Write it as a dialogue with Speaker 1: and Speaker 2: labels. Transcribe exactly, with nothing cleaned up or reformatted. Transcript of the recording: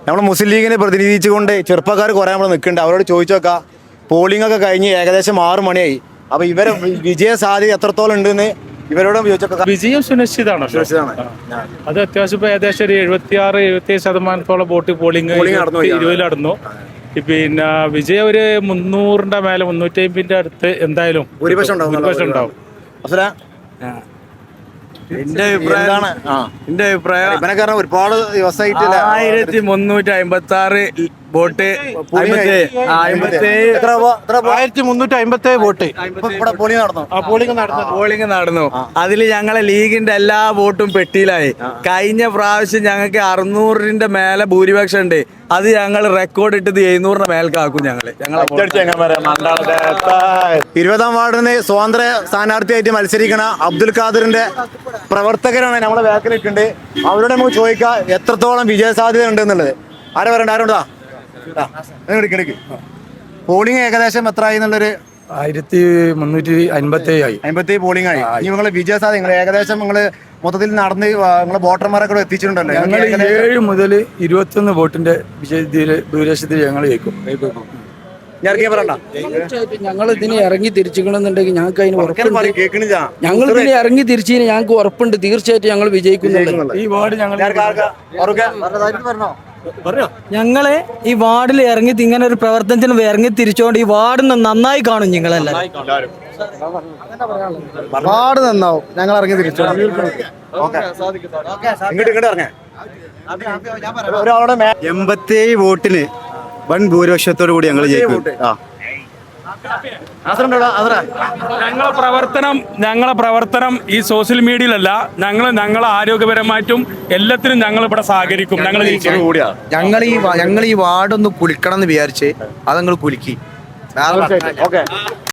Speaker 1: നമ്മൾ മുസ്ലിം ലീഗിനെ പ്രതിനിധീകരിച്ചുകൊണ്ട് ചെറുപ്പക്കാർ കുറേ നമ്മൾ നിൽക്കുന്നുണ്ട്. അവരോട് ചോദിച്ചു നോക്കാം. പോളിംഗ് ഒക്കെ കഴിഞ്ഞ് ഏകദേശം ആറ് മണിയായി. അപ്പൊ ഇവരെ വിജയ സാധ്യത എത്രത്തോളം ഉണ്ടെന്ന് ഇവരോടും ചോദിച്ചോക്കാം.
Speaker 2: വിജയം സുനിശ്ചിതമാണ്. അത് അത്യാവശ്യം ഇപ്പൊ ഏകദേശം ഒരു എഴുപത്തി ആറ് എഴുപത്തി ഏഴ് ശതമാനത്തോളം വോട്ട് പോളിംഗ് ഇരുപതിൽ നടന്നു. പിന്നെ വിജയം ഒരു മുന്നൂറിന്റെ മേലെ മുന്നൂറ്റി അമ്പതിന്റെ അടുത്ത് എന്തായാലും
Speaker 1: ഭൂരിപക്ഷം ഉണ്ടാവും.
Speaker 3: എന്റെ അഭിപ്രായം എന്റെ അഭിപ്രായം
Speaker 1: ഇവനെ ഒരുപാട് ദിവസമായിട്ട്
Speaker 3: ആയിരത്തി മുന്നൂറ്റി അമ്പത്തി ആറ് വോട്ട്
Speaker 4: ആയിരത്തി മുന്നൂറ്റി അമ്പത്തി ഏഴ് വോട്ട്
Speaker 1: പോളിംഗ് നടന്നു.
Speaker 4: പോളിംഗ് നടന്നു
Speaker 3: പോളിംഗ് നടന്നു. അതിൽ ഞങ്ങളെ ലീഗിന്റെ എല്ലാ വോട്ടും പെട്ടിയിലായി. കഴിഞ്ഞ പ്രാവശ്യം ഞങ്ങൾക്ക് അറുന്നൂറിന്റെ മേലെ ഭൂരിപക്ഷം ഉണ്ട്. അത് ഞങ്ങൾ റെക്കോർഡ് ഇട്ടത് എഴുന്നൂറിന്റെ മേൽക്കാക്കും. ഞങ്ങള്
Speaker 1: ഇരുപതാം വാർഡിന് സ്വതന്ത്ര സ്ഥാനാർത്ഥിയായിട്ട് മത്സരിക്കണ അബ്ദുൽ ഖാദറിന്റെ പ്രവർത്തകരാണ് നമ്മളെ ബാക്കിലിട്ടുണ്ട്. അവരോട് നമുക്ക് ചോദിക്കാം എത്രത്തോളം വിജയ സാധ്യത ഉണ്ട് എന്നുള്ളത്. ആരെ പറയണ്ട? ആരുണ്ടാ? പോളിംഗ് ഏകദേശം എത്ര ആയി എന്നുള്ളൊരു
Speaker 4: ആയിരത്തി മുന്നൂറ്റി അമ്പത്തി ഏഴ്
Speaker 1: അമ്പത്തി പോളിംഗ് ആയി. ഇനി നിങ്ങള് വിജയ സാധ്യത നിങ്ങൾ ഏകദേശം നിങ്ങള് മൊത്തത്തിൽ നടന്ന് നിങ്ങളെ വോട്ടർമാരെ കൂടെ എത്തിച്ചിട്ടുണ്ടല്ലോ.
Speaker 4: ഞങ്ങൾ ഏഴ് മുതൽ ഇരുപത്തി ഒന്ന് വോട്ടിന്റെ വിജയത്തിൽ ഭൂരിപക്ഷത്തിൽ ഞങ്ങൾ ജയിക്കും.
Speaker 5: ഞങ്ങൾ ഇതിനെ ഇറങ്ങി തിരിച്ചിക്കണമെന്നുണ്ടെങ്കിൽ ഞങ്ങൾക്ക് അതിന് ഉറപ്പുണ്ട്. ഞങ്ങൾ ഇതിനെ ഇറങ്ങി തിരിച്ചതിന് ഞങ്ങൾക്ക് ഉറപ്പുണ്ട്. തീർച്ചയായിട്ടും ഞങ്ങൾ വിജയിക്കുന്നുണ്ട്.
Speaker 4: ഈ വാർഡ് ഞങ്ങൾ
Speaker 6: ഞങ്ങള് ഈ വാർഡിൽ ഇറങ്ങി ഇങ്ങനെ ഒരു പ്രവർത്തനത്തിന് ഇറങ്ങി തിരിച്ചുകൊണ്ട് ഈ വാർഡ് നന്നായി കാണും. ഞങ്ങളെല്ലാം
Speaker 1: വാർഡ് നന്നാവും. ഞങ്ങൾ ഇറങ്ങി തിരിച്ചു
Speaker 7: എൺപത്തിയേഴ് വോട്ടിന് വൻ ഭൂരിപക്ഷത്തോടു കൂടി ഞങ്ങൾ ജയിക്കും.
Speaker 2: ഞങ്ങളെ പ്രവർത്തനം ഞങ്ങളെ പ്രവർത്തനം ഈ സോഷ്യൽ മീഡിയയിലല്ല. ഞങ്ങൾ ഞങ്ങളെ ആരോഗ്യപരമായിട്ടും എല്ലാത്തിനും ഞങ്ങൾ ഇവിടെ സഹകരിക്കും. ഞങ്ങൾ
Speaker 7: ഞങ്ങൾ ഈ ഞങ്ങൾ ഈ വാർഡൊന്ന് കുലിക്കണം എന്ന് വിചാരിച്ച് അതങ്ങൾ കുലുക്കി.